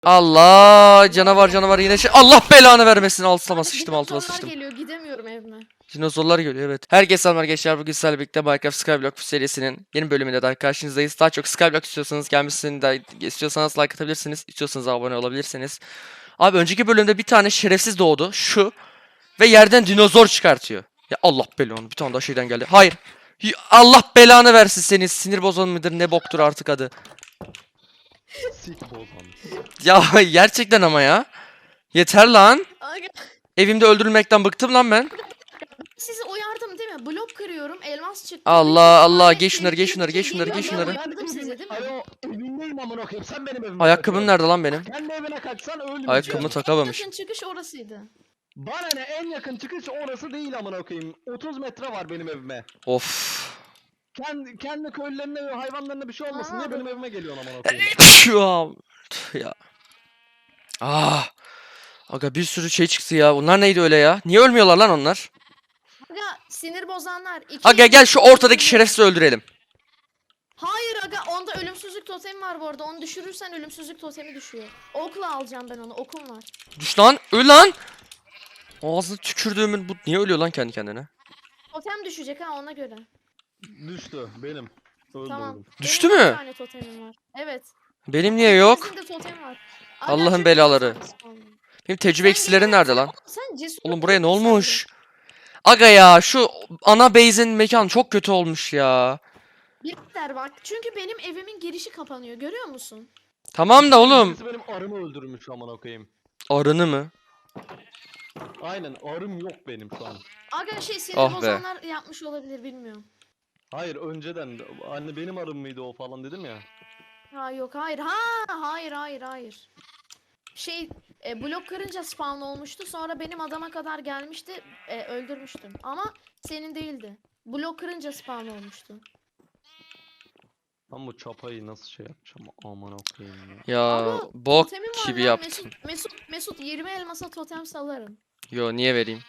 Allah canavar yine şey. Allah belanı vermesin. Altıma sıçtım. Dinozorlar geliyor, gidemiyorum evime. Dinozorlar geliyor evet. Herkese selamlar gençler. Bugün sizlerle birlikte Minecraft Skyblock serisinin yeni bölümünde daha karşınızdayız. Daha çok Skyblock istiyorsanız gelmesini de istiyorsanız like atabilirsiniz. İstiyorsanız abone olabilirsiniz. Abi önceki bölümde bir tane şerefsiz doğdu. Şu. Ve yerden dinozor çıkartıyor. Ya Allah belanı. Bir tane daha şeyden geldi. Hayır. Allah belanı versin seni. Sinir bozan mıdır ne boktur artık adı. Sik bozan. Ya gerçekten ama ya. Yeter lan. Aga, Evimde öldürülmekten bıktım lan ben. sizi uyardım değil mi? Blok kırıyorum, elmas çıktı. Allah, Üç geç şunları, tane geç şunları, geç şunları, geliyor. geç şunları. Uyardım sizi değil mi? Alo evindeyim amına koyayım sen benim evime Ayakkabım kaçıyorsun. nerede lan benim? Kendi evine kaçsan ölmeyeceksin. Ayakkabımı takamamış. Yakın çıkış orasıydı. Bana ne en yakın çıkış orası değil amına koyayım. 30 metre var benim evime. Of. Kendi köylülerine ve hayvanlarına bir şey olmasın diye benim evime geliyorsun amına koyayım. Şu an. Ya. Ah. Aga bir sürü şey çıktı ya. Bunlar neydi öyle ya? Niye ölmüyorlar lan onlar? Aga sinir bozanlar. Aga gel şu ortadaki şerefsizi öldürelim. Hayır aga, onda ölümsüzlük totemi var bu arada. Onu düşürürsen ölümsüzlük totemi düşüyor. Okla alacağım ben onu, okum var. Düş lan. Öl lan. Ağzına tükürdüğümün bu niye ölüyor lan kendi kendine? Totem düşecek ha, ona göre. Düştü benim. Öldü Tamam. oğlum. Düştü Benim mü? bir tane totemim var. Evet. Benim niye yok? İkimizin de totemi var. Aga, Allah'ın çünkü belaları. çok saçma. Benim tecrübe Sen eksileri gene- nerede sen- lan? Sen cesur Oğlum buraya ne değilsin sen de. olmuş? Aga ya şu ana base'in mekanı çok kötü olmuş ya. Birader bak, çünkü benim evimin girişi kapanıyor, görüyor musun? Tamam da oğlum. Birisi benim arımı öldürmüş amına koyayım. Arını mı? Aynen arım yok benim şu an. Aga sinir Ah be. bozanlar yapmış olabilir, bilmiyorum. Hayır önceden anne benim arım mıydı o falan dedim ya. Ha yok, hayır. Hayır. Blok kırınca spawn olmuştu. Sonra benim adama kadar gelmişti. Öldürmüştüm. Ama senin değildi. Blok kırınca spawn olmuştu. Ben bu çapayı nasıl şey yapacağım amına koyayım ya. Ya Aga, bok totemim var gibi lan. yaptın. Mesut 20 elmasa totem salarım. Yo niye vereyim?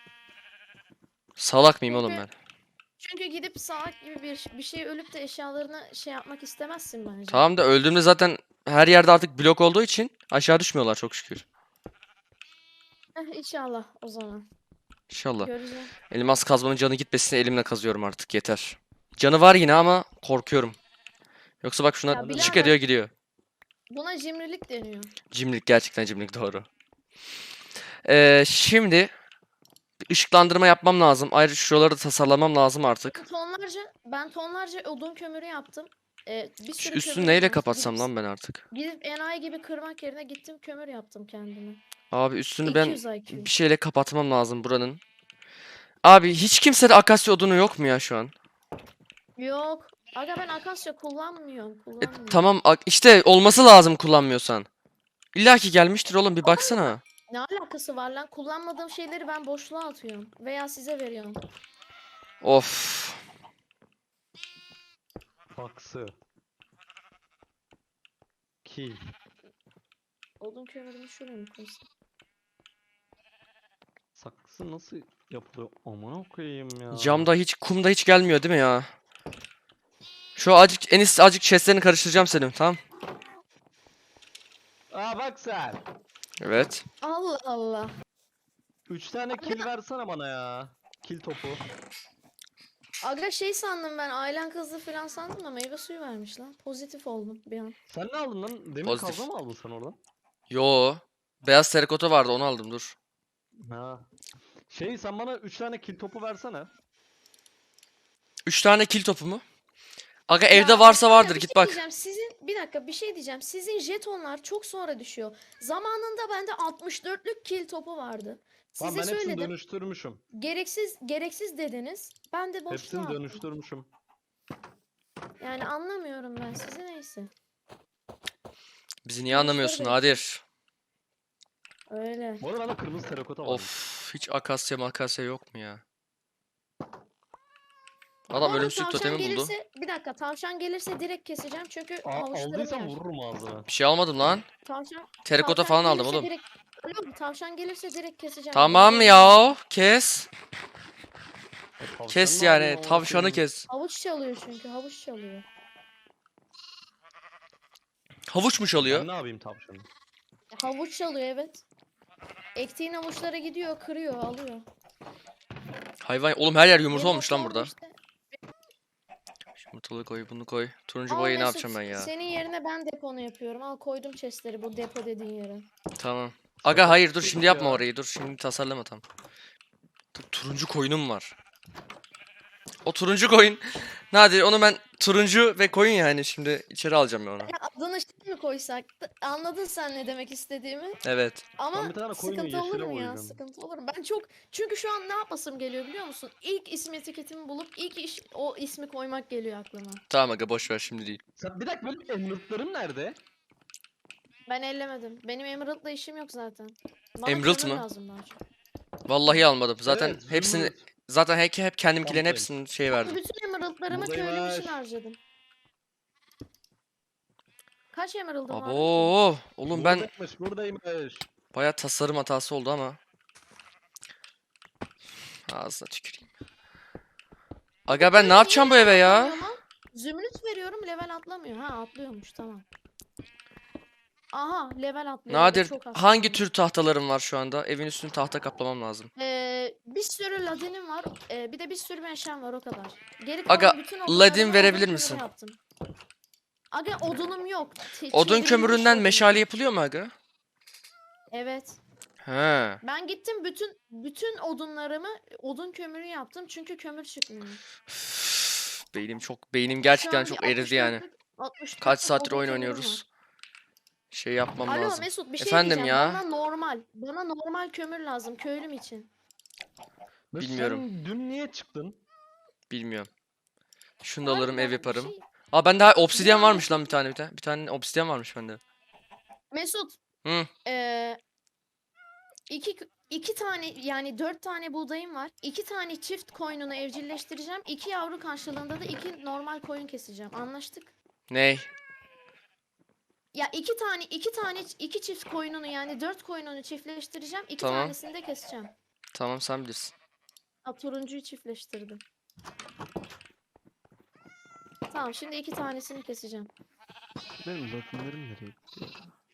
Salak mıyım oğlum ben? Çünkü gidip salak gibi bir şey ölüp de eşyalarını şey yapmak istemezsin bence. Tamam da öldüğümde zaten her yerde artık blok olduğu için aşağı düşmüyorlar çok şükür. İnşallah o zaman. İnşallah. Göreceğim. Elmas kazmanın canı gitmesin elimle kazıyorum artık yeter. Canı var yine ama korkuyorum. Yoksa bak şuna Ya çık birader. ediyor gidiyor. Buna cimrilik deniyor. Cimrilik gerçekten cimrilik doğru. Şimdi bir ışıklandırma yapmam lazım. Ayrıca şuraları da tasarlamam lazım artık. Ben tonlarca odun kömürü yaptım. Bir Şu sürü üstünü kömür neyle var. kapatsam lan ben artık? Gidip enayi gibi kırmak yerine gittim kömür yaptım kendime. Abi üstünü ben 200 IQ. bir şeyle kapatmam lazım buranın. Abi hiç kimsede akasya odunu yok mu ya şu an? Yok. Aga ben akasya kullanmıyorum. Tamam işte olması lazım kullanmıyorsan. İlla ki gelmiştir oğlum bir baksana. Ne alakası var lan? Kullanmadığım şeyleri ben boşluğa atıyorum. Veya size veriyorum. Of. Faksı. Ki. Odun kömürümü şuraya mı koysam? Saksı nasıl yapılıyor? Amına koyayım ya. Camda hiç kumda hiç gelmiyor değil mi ya? Şu azıcık azıcık chestlerini karıştıracağım senin tamam? Aa bak sen. Evet. Allah Allah. 3 tane kill versene bana ya. Kill topu. Aga sandım ben, ailen kızdı falan sandım da meyve suyu vermiş lan. Pozitif oldum bir an. Sen ne aldın lan? Demir Pozitif. kazma mı aldın sen oradan? Yo. Beyaz terikota vardı onu aldım dur. Ha. Sen bana 3 tane kill topu versene. 3 tane kill topu mu? Aga Ya, evde varsa aga, vardır bir git şey bak. diyeceğim. Bir dakika bir şey diyeceğim. Sizin jetonlar çok sonra düşüyor. Zamanında bende 64'lük kill topu vardı. Lan Size ben hepsini söyledim. dönüştürmüşüm. Gereksiz dediniz. Ben de boşluğa Hepsini attım. dönüştürmüşüm. Yani anlamıyorum ben sizi, neyse. Bizi niye anlamıyorsun Konuşları Nadir? Öyle. Bu arada bende kırmızı terakota var. Of hiç akasya makasya yok mu ya? Bu Adam arada ölümsüzlük tavşan totemi buldu. Bir dakika, tavşan gelirse direkt keseceğim çünkü havuçlarım Aldıysan yer. vururum ağzına. Bir şey almadım lan. Terikota Tavşan falan aldım gelirse oğlum. Tavşan gelirse direkt keseceğim. Tamam ya kes. Tavşan Kes ne yani yapayım amına tavşanı koyayım? kes. Havuç çalıyor çünkü, havuç çalıyor. Havuç mu Ben çalıyor? ne yapayım tavşanı? Havuç çalıyor evet. Ektiğin havuçlara gidiyor, kırıyor, alıyor. Hayvan oğlum her yer yumurta Benim olmuş lan okulum burada. işte. Yumurtalığı koy, bunu koy. Turuncu Al boyayı ne Mesut, yapacağım ben ya? senin yerine ben deponu yapıyorum. Al koydum chestleri bu depo dediğin yere. Tamam. Şaka Aga hayır dur gibi şimdi yapma ya. orayı. Dur şimdi tasarlama tam. Dur, turuncu koyunum var. O turuncu koyun. Nadir onu ben turuncu ve koyun yani şimdi içeri alacağım ben onu. Ya adını şey mi koysak? Anladın sen ne demek istediğimi? Evet. Ama Ben bir tane koyunu sıkıntı olur yeşile mu ya? boyayacağım. Sıkıntı olur mu? Ben çok çünkü şu an ne yapasım geliyor biliyor musun? İlk isim etiketimi bulup o ismi koymak geliyor aklıma. Tamam aga boş ver şimdi değil. Sen bir dakika benim emerald'larım nerede? Ben ellemedim. Benim Emerald'la işim yok zaten. Bana Emerald kömür mı? lazım daha çok. Vallahi almadım. Zaten Evet, hepsini zümrüt. zaten hep kendimkilerin Buradayım. hepsini şey verdim. Bütün Emerald'larımı köylüm Buradaymış. için harcadım. Kaç Emerald'ım var ki? Abo oğlum ben Buradaymış. bayağı tasarım hatası oldu ama. Ağzına tüküreyim. Aga ben ne yapacağım bu eve ya? Atlamıyor lan. Zümrüt veriyorum level atlamıyor. Ha atlıyormuş tamam. Aha level atlıyor. Nadir Çok az hangi kaldı. tür tahtalarım var şu anda? Evin üstünü tahta kaplamam lazım. Bir sürü ladinim var. Bir de bir sürü meşem var o kadar. Geri Aga, kalan bütün odunlarımı ladin odun verebilir kömürü misin? yaptım. Aga odunum yok. Odun Çevrilmiş kömüründen odun. meşale yapılıyor mu aga? Evet. He. Ben gittim bütün odunlarımı odun kömürü yaptım çünkü kömür çıkmıyor. Beynim gerçekten Şu an çok bir eridi yani. 64 Kaç saattir odun oyun kömürüm oynuyoruz. var. Şey yapmam Alo lazım. Mesut bir şey Efendim diyeceğim. ya? Bana normal kömür lazım köylüm için. Mesut, Bilmiyorum. Sen dün niye çıktın? Bilmiyorum. Şunu da Abi alırım ev bana bir yaparım. şey- Aa bende obsidyen Ya varmış lan Mesut, bir tane. Bir tane obsidyen varmış bende. Mesut Hı. iki tane yani 4 tane buğdayım var. 2 tane çift koyununu evcilleştireceğim. 2 yavru karşılığında da 2 normal koyun keseceğim. Anlaştık. Ney? Ya iki çift koyununu yani 4 koyununu çiftleştireceğim. 2 Tamam. tanesini de keseceğim. Tamam sen bilirsin. Ha, turuncuyu çiftleştirdim. Tamam şimdi 2 tanesini keseceğim. Benim ladinlerim nereye gitti?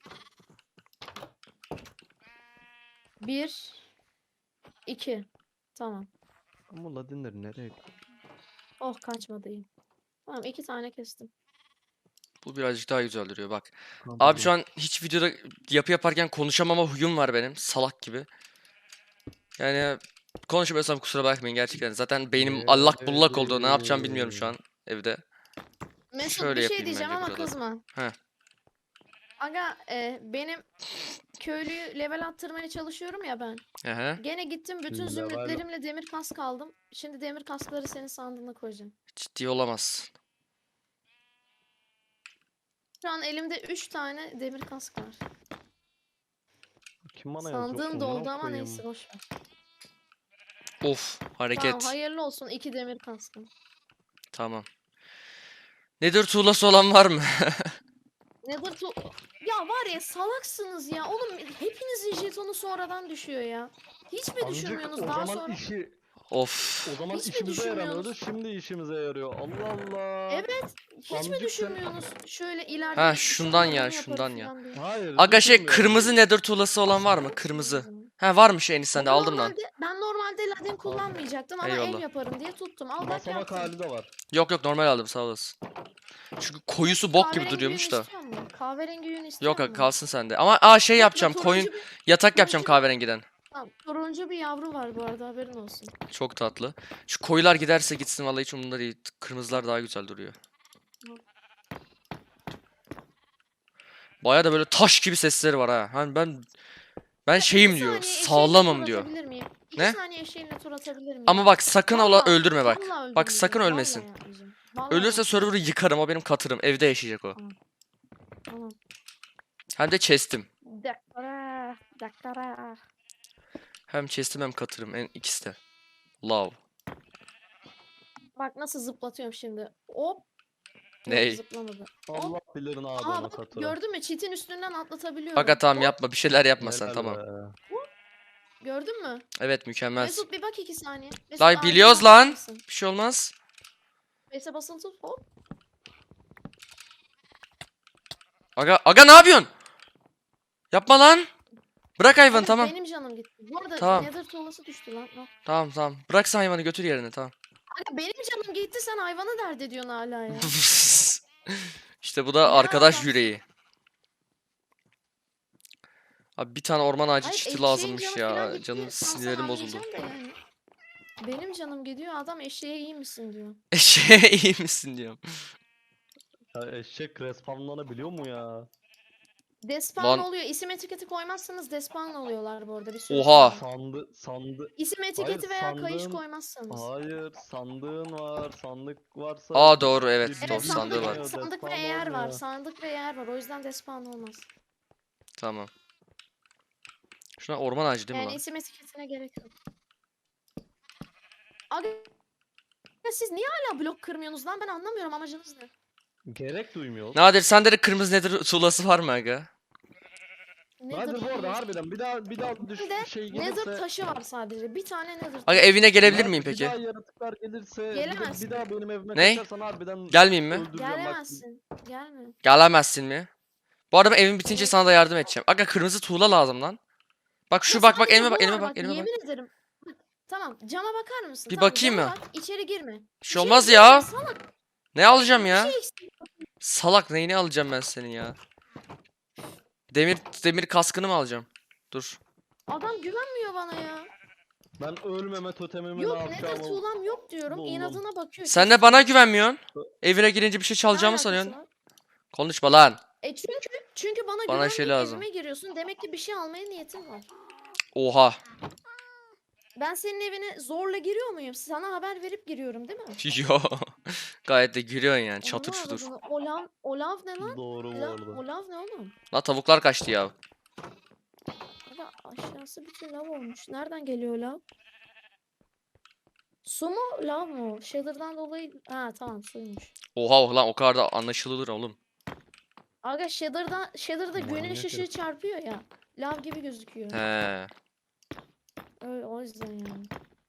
1 2 Tamam. Ama ladinleri nereye gitti? Oh kaçmadı iyi. Tamam 2 tane kestim. Bu birazcık daha güzel duruyor bak. Tamam, Abi şu an hiç videoda yapı yaparken konuşamama huyum var benim. Salak gibi. Yani konuşmuyorsam kusura bakmayın gerçekten. Zaten beynim allak bullak oldu. Ne yapacağım bilmiyorum şu an evde. Mesut Şöyle bir şey yapayım diyeceğim bence ama burada. kızma. Heh. Aga benim köylüyü level attırmaya çalışıyorum ya ben. Aha. Gene gittim bütün Level- zümrütlerimle demir kask aldım. Şimdi demir kaskları senin sandığına koyacağım. Ciddi olamaz. Şu an elimde 3 tane demir kask var. Kim bana yazıyor? Sandığım Amına doldu ama koyayım. neyse boş ver. Of Tamam hareket. hayırlı olsun 2 demir kaskım. Tamam. Nedir tuğlası olan var mı? Nether tu... Ya var ya salaksınız ya. Oğlum hepinizin jetonu sonradan düşüyor ya. Hiç mi Amcık, düşünmüyorsunuz o daha zaman sonra? Of. o zaman Hiç mi işimize yaramıyordu, düşünmüyorsunuz? şimdi işimize yarıyor. Allah Allah. Evet. Hiç mi Amcık sen- düşünmüyorsunuz? Şöyle ileride Ha, bir şundan ya, yaparım şundan ya. falan diye. Hayır. Aga şey düşünmüyorum. kırmızı nether tuğlası olan var mı? Salaksınız Kırmızı. o zaman. Ha varmış en sende aldım lan. Ben normalde ladin kullanmayacaktım ama Eyvallah. ev yaparım diye tuttum. Al bak Basamak yaptım. hali de var. Yok yok normal aldım sağ olasın. Çünkü koyusu bok gibi Kahverengi duruyormuş yün da. istiyor musun? Kahverengi yün istiyor Yok musun? kalsın sende. Ama şey Bak, yapacağım koyun turuncu bir- yatak yapacağım turuncu bir- kahverengiden. Tamam, turuncu bir yavru var bu arada haberin olsun. Çok tatlı. Şu koyular giderse gitsin vallahi hiç umurumda değil. Kırmızılar daha güzel duruyor. Baya da böyle taş gibi sesleri var ha. Hani ben şeyim İki diyor. saniye eşeğimle Sağlamım tur diyor. atabilir miyim? İki Ne? saniye eşeğimle tur atabilir miyim? Ama bak sakın ola Vallahi- öldürme bak. vallahi Bak öldürmeyeceğim, sakın vallahi ölmesin. yapmayacağım. Vallahi Ölürse yapmayacağım. server'ı yıkarım o benim katırım. Evde yaşayacak o. Tamam. Hem de chest'im. Dakara, dakara. Hem chest'im hem katırım. İkisi de. Love. Bak nasıl zıplatıyorum şimdi. Hop. Yok, Ney? zıplamadı. Allah bilir ne Aa adamı bak katıra. gördün mü? Çitin üstünden atlatabiliyorum. Aga tamam Hop, yapma bir şeyler yapma sen Helal tamam. be. Gördün mü? Evet mükemmel. Mesut bir bak 2 saniye. Mesut, Lan ağacına biliyoruz bakar lan. mısın? Bir şey olmaz. Space'e basılı tut. Hop. Aga ne yapıyorsun? Yapma lan. Bırak hayvanı Abi tamam. benim canım gitti. Bu arada Tamam. Nether tuğlası düştü lan. Al. Tamam tamam. Bırak sen hayvanı götür yerine tamam. Aga benim canım gitti, sen hayvanı dert ediyorsun hala ya. İşte bu da Ne arkadaş alakası? yüreği. Abi bir tane orman ağacı Hayır, çiti eşeğin lazımmış canı falan ya. gitti. Canım Tam sana sinirlerim bozuldu. anlayacağım da yani. Benim canım gidiyor, adam eşeğe iyi misin diyor. Eşeğe iyi misin diyorum. Ya eşek respawnlanabiliyor mu ya? Despawn Lan oluyor. İsim etiketi koymazsanız despawn oluyorlar bu arada bir süre oha. sonra. Sandı. İsim Hayır etiketi veya kayış sandığın. koymazsanız. Hayır sandığın var. Sandık varsa. Aa doğru evet bir doğru Evet, şey sandığı var. olmuyor, sandık ve despawn eğer var. olmuyor. Sandık ve eğer var. O yüzden despawn olmaz. Tamam. Şuna orman ağacı değil mi Yani lan? isim etiketine gerek yok. Aga siz niye hala blok kırmıyorsunuz lan? Ben anlamıyorum, amacınız ne? Gerek duymuyor. Nadir sende de kırmızı nedir tuğlası var mı aga? Nadir bu arada tuğlası? harbiden bir daha Bir de şey Nether gelirse. taşı var sadece. Bir tane Nether Aga taşı. evine gelebilir Nadir, miyim Bir peki? daha yaratıklar gelirse Gelemezsin. bir daha benim evime Ney? kaçarsan harbiden Gelmeyeyim mi? öldüreceğim bak. Gelemezsin. Gelme. Gelemezsin mi? Bu arada ben evim bitince Evet. sana da yardım edeceğim. Aga kırmızı tuğla lazım lan. Bak şu Ya bak sadece elime bu bak elime var bak elime bak. Yemin ederim. Bak, tamam, cama bakar mısın? Bir Tamam, bakayım cama mı? bak, içeri girme. Bir şey olmaz girme ya. salak. Ne alacağım Bir ya? şey eksik. Salak neyini alacağım ben senin ya? Demir kaskını mı alacağım? Dur. Adam güvenmiyor bana ya. Ben ölmeme totemimi Yok ne Nether yapacağımı tuğlam yok diyorum. buldum. İnadına bakıyor. Sen de bana güvenmiyorsun. Evine girince bir şey Ne çalacağımı alakası sanıyorsun. var? Konuşma lan. Çünkü bana Bana şey güvenmeyip lazım. evime giriyorsun. Demek ki bir şey almaya niyetin var. Oha. Ben senin evine zorla giriyor muyum? Sana haber verip giriyorum değil mi? Yo. Gayet de gülüyorsun yani. Çatır Onu çutur. avradını. Olav ne lan? Doğru bu arada. Olav ne oğlum? La tavuklar kaçtı ya. Aga aşağısı bütün lav olmuş. Nereden geliyor lav? Su mu lav mı? Shader'dan dolayı... Ha tamam, suymuş. Oha lan o kadar da anlaşılır oğlum. Aga Shader'da güneş Manyak ışığı herif. çarpıyor ya. Lav gibi gözüküyor. He. Öyle, o yüzden yani.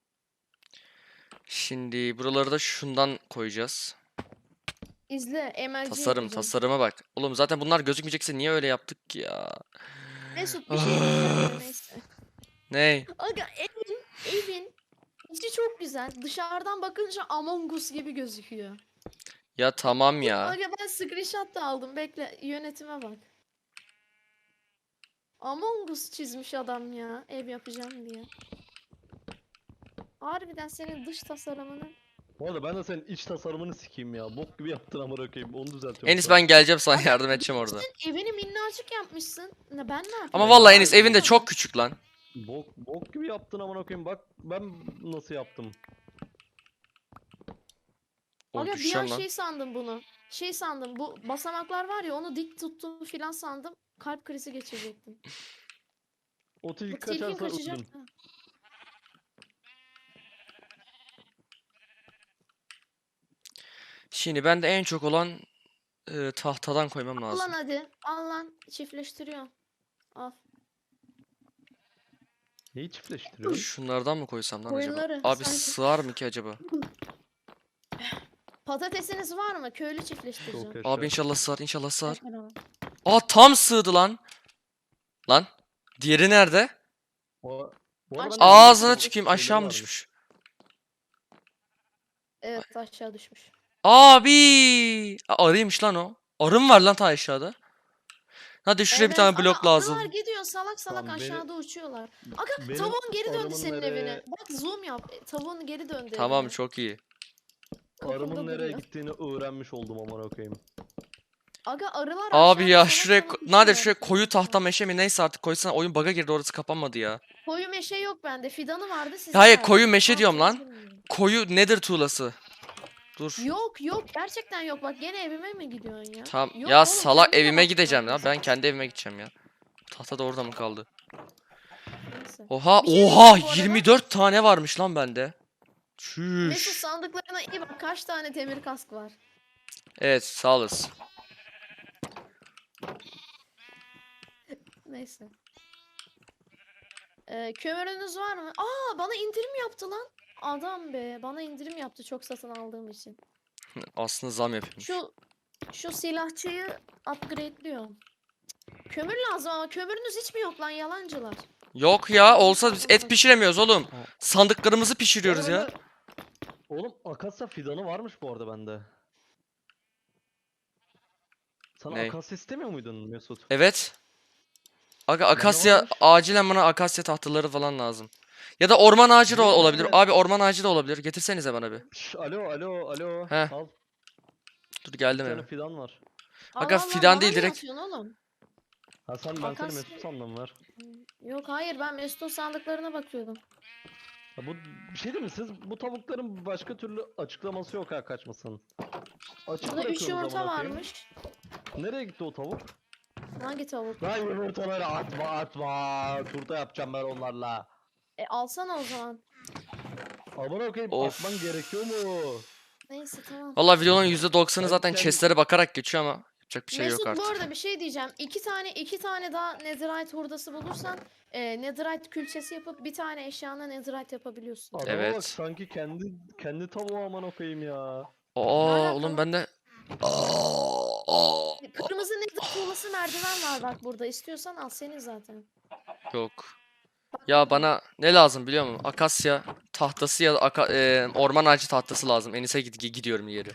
Şimdi buraları da şundan koyacağız. İzle, MLG Tasarım yapacağım. tasarıma bak. Oğlum zaten bunlar gözükmeyecekse niye öyle yaptık ki ya? Mesut bir şey diyeceğim de neyse. Ney? Aga evin içi çok güzel. Dışarıdan bakınca Among Us gibi gözüküyor. Ya tamam ya. Aga ben screenshot da aldım. Bekle, yönetime bak. Among Us çizmiş adam ya. Ev yapacağım diye. Harbiden senin dış tasarımını... Bu arada ben de senin iç tasarımını sikeyim ya. Bok gibi yaptın amına koyayım. Onu düzeltiyorum. Enis şu an. ben geleceğim sana yardım edeceğim orada. Sen evini minnacık yapmışsın. Ne ben ne yapayım? Ama vallahi Enis Hayır, evin de Yapamadım. çok küçük lan. Bok gibi yaptın amına koyayım. Bak ben nasıl yaptım. O Aga bir an düşüyorum lan. şey sandım bunu. Şey sandım, bu basamaklar var ya, onu dik tuttum filan sandım. Kalp krizi geçirecektim. O Bu tilki tilkin kaçarsa kaçacak. öldün. Ha. Şimdi ben de en çok olan tahtadan koymam Al lan lazım. hadi. Al lan. Çiftleştiriyor. Al. Neyi çiftleştiriyorsun? Şunlardan mı koysam lan acaba? Koyunları, Abi sanki. sığar mı ki acaba? Patatesiniz var mı? Köylü çiftleştireceğim. Çok yaşa. Abi inşallah sığar inşallah sığar. Kaç para var? Aa tam sığdı lan. Lan. Diğeri nerede? Bu arada Aç- ben de Ağzına bilmiyorum, tükeyim şeyleri aşağı mı varmış. düşmüş? Evet, aşağı düşmüş. Abi. Arıymış lan o. Arı mı var lan ta aşağıda? Hadi şuraya bir tane ama blok lazım. arılar gidiyor salak salak Tamam, aşağıda uçuyorlar. Aga benim tavuğun geri döndü arımın senin nereye- evine. Bak zoom yap. Tavuğun geri döndü Tamam evine. çok iyi. Kapında Arımın nereye duruyor. gittiğini öğrenmiş oldum amına koyayım. Aga arılar Abi aşağıda ya salak şuraya salak Nadir uçuyor. şuraya koyu tahta meşe mi neyse artık koysana oyun bug'a girdi orası kapanmadı ya. Koyu meşe yok bende. Fidanı vardı size Hayır verdim. koyu meşe Ne diyorum lan. yapacağınızı bilmiyorum. Koyu nedir tuğlası? Dur. Yok gerçekten yok, bak gene evime mi gidiyorsun ya? Tamam Yok ya oğlum, salak kendine evime bak gideceğim ya. bak. Ben kendi evime gideceğim ya. Tahta da orada mı kaldı? Neyse. Oha Bir şey oha diyeceğim bu arada. 24 tane varmış lan bende. Mesut Çüş. sandıklarına iyi bak, kaç tane demir kask var. Evet sağ olasın. Neyse. Kömürünüz var mı? Aa, bana indirim yaptı lan. Adam be, bana indirim yaptı çok satın aldığım için. Aslında zam yapıyormuş. Şu silahçıyı upgrade'liyorum. Kömür lazım ama kömürünüz hiç mi yok lan yalancılar? Yok ya, olsa biz et pişiremiyoruz oğlum. Sandıklarımızı pişiriyoruz Bu arada ya. bende- Oğlum akasya fidanı varmış bu arada bende. Sana Ney? akasya istemiyor muydun Mesut? Evet. Aga Bende akasya, varmış. acilen bana akasya tahtaları falan lazım. Ya da orman ağacı da Yok, olabilir. bende- Abi orman ağacı da olabilir. Getirsenize bana bir. Alo. Heh. Al. Dur Bir geldim tane hemen. fidan var. Aga, Allah Allah, fidan bana değil, niye direkt. atıyorsun oğlum? Ha ben seni Akasya- Mesut sandım var. Yok hayır, ben Mesut'un sandıklarına bakıyordum. Ya bu bir şey değil mi? Siz bu tavukların başka türlü açıklaması yok ha kaçmasın. Açık Burada 3 bırakıyoruz yumurta amına koyayım. varmış. Nereye gitti o tavuk? Hangi tavuk? Lan yumurtaları atma. Turta yapacağım ben onlarla. Alsana o zaman. Amına koyayım Of. atman gerekiyor mu? Neyse tamam. Vallahi videonun %90'ı Ben zaten kendim- chestlere bakarak geçiyor ama yapacak bir şey Mesut, yok bu artık. arada bir şey diyeceğim. İki tane daha netherite hurdası bulursan netherite külçesi yapıp bir tane eşyana netherite yapabiliyorsun. Adama Evet. bak sanki kendi tavuğu amına koyayım ya. Aa alaka oğlum lan? ben de... Aa. Kırmızı nether tuğlası merdiven var bak burada. İstiyorsan al, senin zaten. Yok. Ya bana ne lazım biliyor musun? Akasya tahtası ya da orman ağacı tahtası lazım. Enis'e gidiyorum yeri.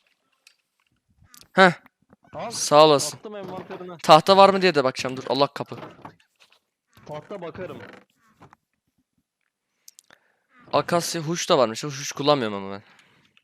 Heh, Al sağ olasın. attım envanterine. Tahta var mı diye de bakacağım. Dur, Allah kapı. Tahta bakarım. Akasya huş da varmış. Huş kullanmıyorum ama ben.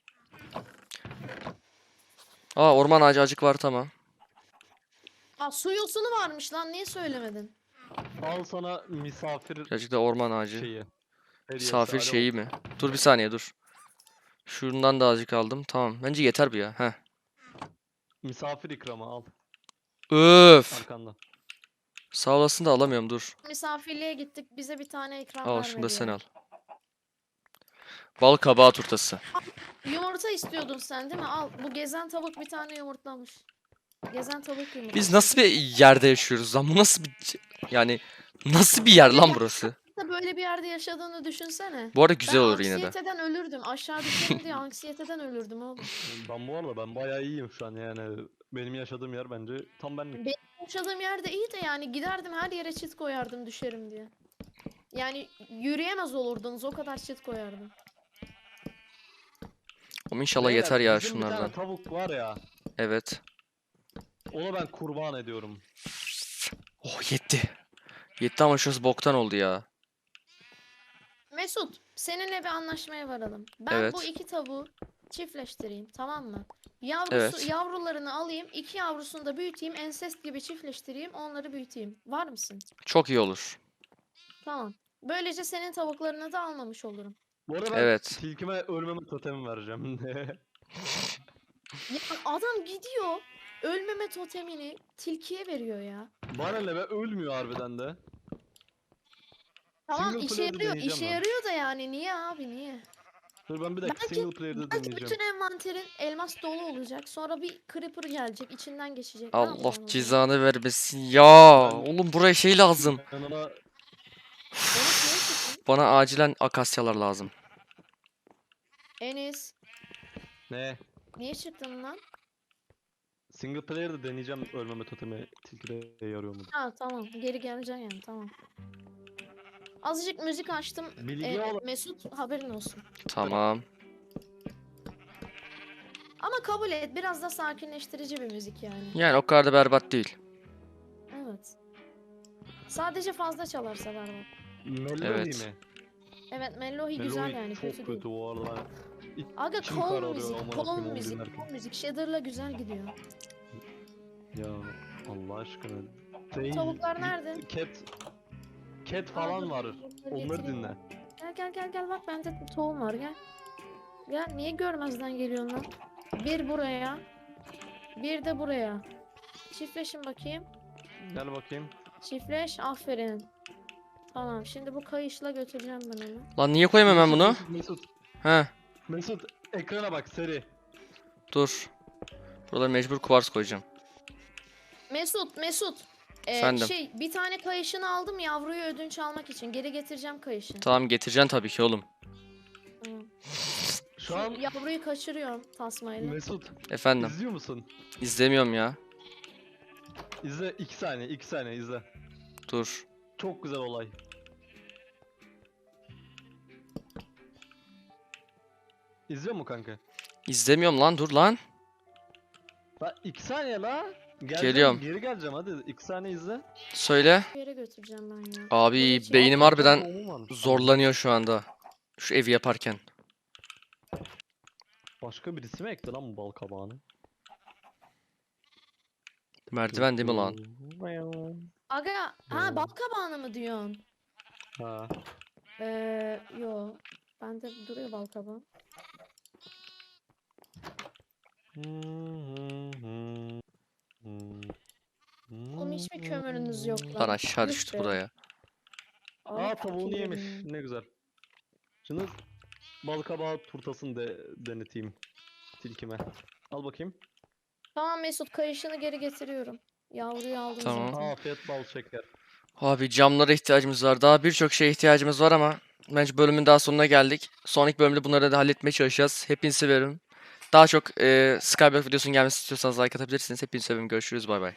Aa, orman ağacı acık var, tamam. Aa, su yosunu varmış lan, niye söylemedin? Al sana misafir Birazcık da orman ağacı. şeyi. Hediyesi, Misafir alo. şeyi mi? Dur bir saniye dur. Şundan da azıcık aldım. Tamam. Bence yeter bu ya. Heh. Misafir ikramı al Öf. arkanda. Sağ olasın da alamıyorum, dur. Misafirliğe gittik, bize bir tane ikram Al şunu da vermedi sen ya. al. Bal kabağı turtası. Yumurta istiyordun sen değil mi? Al, bu gezen tavuk bir tane yumurtlamış. Gezen tavuk yumurtlamış. Biz nasıl bir yerde yaşıyoruz lan? Bu nasıl bir... Yani nasıl bir yer lan burası? da böyle bir yerde yaşadığını düşünsene. Bu arada güzel Ben olur yine de. anksiyeteden ölürdüm. Aşağı düşerim diye anksiyeteden ölürdüm oğlum. Ben bu arada ben bayağı iyiyim şu an yani. Benim yaşadığım yer bence tam benlik. Benim yaşadığım yerde iyi de yani giderdim her yere çit koyardım düşerim diye. Yani yürüyemez olurdunuz, o kadar çit koyardım. Ama inşallah Beyler, yeter ya bizim bir tane şunlardan. tavuk var ya. Evet. Onu ben kurban ediyorum. Oh, yetti. Yetti ama şurası boktan oldu ya. Mesut, seninle bir anlaşmaya varalım. Ben Evet. bu iki tavuğu çiftleştireyim, tamam mı? Evet. Yavrularını alayım, iki yavrusunu da büyüteyim, ensest gibi çiftleştireyim, onları büyüteyim. Var mısın? Çok iyi olur. Tamam. Böylece senin tavuklarını da almamış olurum. Bu arada ben Evet. tilkime ölmeme totemi vereceğim. Ya adam gidiyor, ölmeme totemini tilkiye veriyor ya. Bana ne be ölmüyor harbiden de. Tamam, Single işe player'ı yarıyor, deneyeceğim işe ben. yarıyor da yani niye abi niye? Dur ben bir dakika Belki- single player'da Belki deneyeceğim. bütün envanterin elmas dolu olacak. Sonra bir creeper gelecek, içinden geçecek. Ne Allah yapacaksın o zaman? cezanı vermesin ya. Ben- Oğlum buraya şey lazım. Yanına Onu şeye çıktın. Bana acilen akasyalar lazım. Enes, ne? niye çıktın lan? Single player'da deneyeceğim ölmeme totemi tilkide yarıyor mu? Ha tamam, geri geleceksin yani, tamam. Azıcık müzik açtım. Bilgi ol- Mesut haberin olsun. Tamam. Ama kabul et, biraz da sakinleştirici bir müzik yani. Yani o kadar da berbat değil. Evet. Sadece fazla çalarsa var bak. Melody Evet. mi? Evet, melodi güzel Melody yani, çok kötü kötü değil. bu arada. Aga İçim calm kararıyor müzik, amına calm koyayım onu müzik, dinlerken. calm müzik. Shader'la güzel gidiyor. Ya Allah aşkına. Tavuklar nerede? Cat falan Dur, var. dur, Onları getireyim. dinle. Gel bak, bende tohum var, gel. Gel, niye görmezden geliyorsun lan? Bir buraya. Bir de buraya. Çiftleşin bakayım. Gel bakayım. Çiftleş, aferin. Tamam, şimdi bu kayışla götüreceğim ben onu. Lan niye koyayım hemen bunu? Mesut. He, Mesut ekrana bak seri. dur. Buralara mecbur kuvars koyacağım. Mesut. Efendim? Bir tane kayışını aldım yavruyu ödünç almak için. Geri getireceğim kayışı. Tamam, getireceksin tabii ki oğlum. Tamam. Şu an Yavruyu kaçırıyorum tasmayla. Mesut Efendim. izliyor musun? İzlemiyorum ya. İzle 2 saniye 2 saniye izle. Dur. Çok güzel olay. İzliyor mu kanka? İzlemiyorum lan, dur lan. La 2 saniye la. Geleceğim, Geliyorum. geri geleceğim hadi 2 saniye izle. Söyle. Bir yere götüreceğim ben ya. Abi Böyle şey- beynim Aa, harbiden doğumum varmış. zorlanıyor şu anda. Şu evi yaparken. Başka birisi mi ekti lan bu bal kabağını? Merdiven değil mi lan? Aga, ha bal kabağını mı diyorsun? Ha. Yo. Bende duruyor bal kabağı. Oğlum hiç mi kömürünüz yok lan? Lan aşağı Yuh düştü be. buraya. Aa tavuğunu fakir yemiş. benim. Ne güzel. Şimdi bal kabağı turtasını deneteyim tilkime. Al bakayım. Tamam Mesut, kayışını geri getiriyorum. Yavruyu aldım Tamam. zaten. Afiyet bal şeker. Abi camlara ihtiyacımız var. Daha birçok şeye ihtiyacımız var ama bence bölümün daha sonuna geldik. Sonraki bölümde bunları da halletmeye çalışacağız. Hepinizi seviyorum. Daha çok Skyblock videosunun gelmesini istiyorsanız like atabilirsiniz. Hepinizi seviyorum. Görüşürüz. Bay bay.